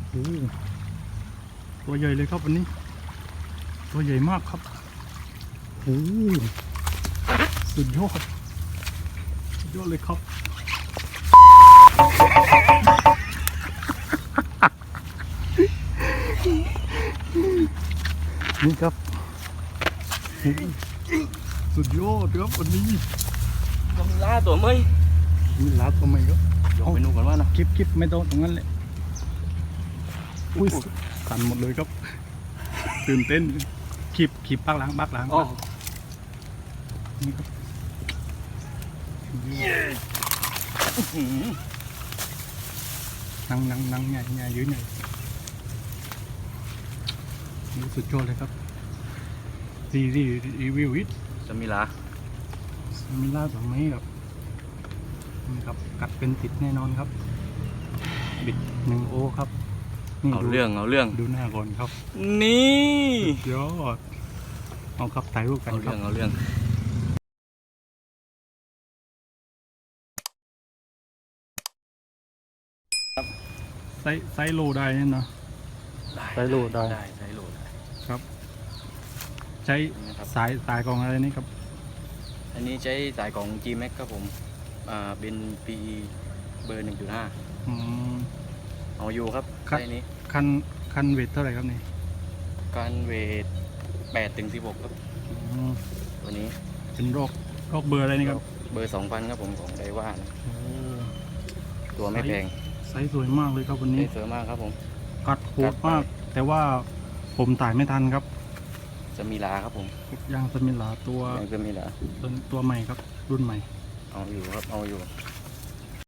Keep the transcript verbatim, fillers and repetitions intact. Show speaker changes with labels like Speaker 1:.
Speaker 1: โอ้ตัวใหญ่เลยครับวันนี้ตัวใหญ่มากครับโอ้สุดยอดสุดยอดเลยครับนี่ครับสุดยอดครับวันนี้
Speaker 2: ต้องล่าตัวไหม
Speaker 1: มีลาตัวใหม่ครับ
Speaker 2: ยกไปนู่นก่อนว่านะ
Speaker 1: คลิปคลิปไม่ต้องตรงนั้นเลยอุ้ยสั่นหมดเลยครับตื่นเต้นคลิปคลิปปักหล้างปักหล้าง
Speaker 2: อ๋อ
Speaker 1: นี่ครับนั่งนั่งนั่งใหญ่ใหญ่ยืนใหญ่นี่สุดยอดเลยครับรีรีรีวิวอิท
Speaker 2: จะมีลา
Speaker 1: มิล่าสองไม้ครับนี่ครับกัดเป็นติดแน่นอนครับบิดหนึ่งโอครับนี่
Speaker 2: เอา
Speaker 1: ดู
Speaker 2: เรื่องเอาเรื่อง
Speaker 1: ดูหน้าก่อนครับ
Speaker 2: นี่
Speaker 1: ยอดเอาครับถ่ายรูปกัน
Speaker 2: เอา
Speaker 1: ครั
Speaker 2: เรื่อบ งเอาเรื่อง
Speaker 1: ไซส์ไซส์โลได้เนี่ยเนาะ ใช้โหลดได้
Speaker 2: ได้ใช้โหลดได้
Speaker 1: ครับใช้
Speaker 2: นะครับ
Speaker 1: สายสายของอะไรนี่ครับ
Speaker 2: อันนี้ใช้สายของ G Max ครับผมอ่าเป็น ปี เบอร์ หนึ่งจุดห้า
Speaker 1: อืม
Speaker 2: เอาอยู่ครับ
Speaker 1: ครับ
Speaker 2: ใช้นี้
Speaker 1: คันคันเวทเท่าไหร่ครับนี่
Speaker 2: การเวทแปดถึงสิบหกครับ
Speaker 1: อืม
Speaker 2: ตัวนี้
Speaker 1: เป็นโรคโรคเบอร์อะไรนี่ครับ
Speaker 2: เบอร์ สองพัน ครับผมของไดว่านะ
Speaker 1: โอ้
Speaker 2: ตัวไม่แพง
Speaker 1: ไซส์สวยมากเลยครับวัน
Speaker 2: ได้
Speaker 1: นี้
Speaker 2: เสริมมากครับผม
Speaker 1: กัดโหดมาก แต่ว่าผมถ่ายไม่ทันครับ
Speaker 2: จะมีลาครับผม
Speaker 1: ยางสมิลาตัว
Speaker 2: ยังจะมีลา
Speaker 1: ตัวตัวใหม่ครับ รุ่นใหม่
Speaker 2: เอาอยู่ครับเอาอยู่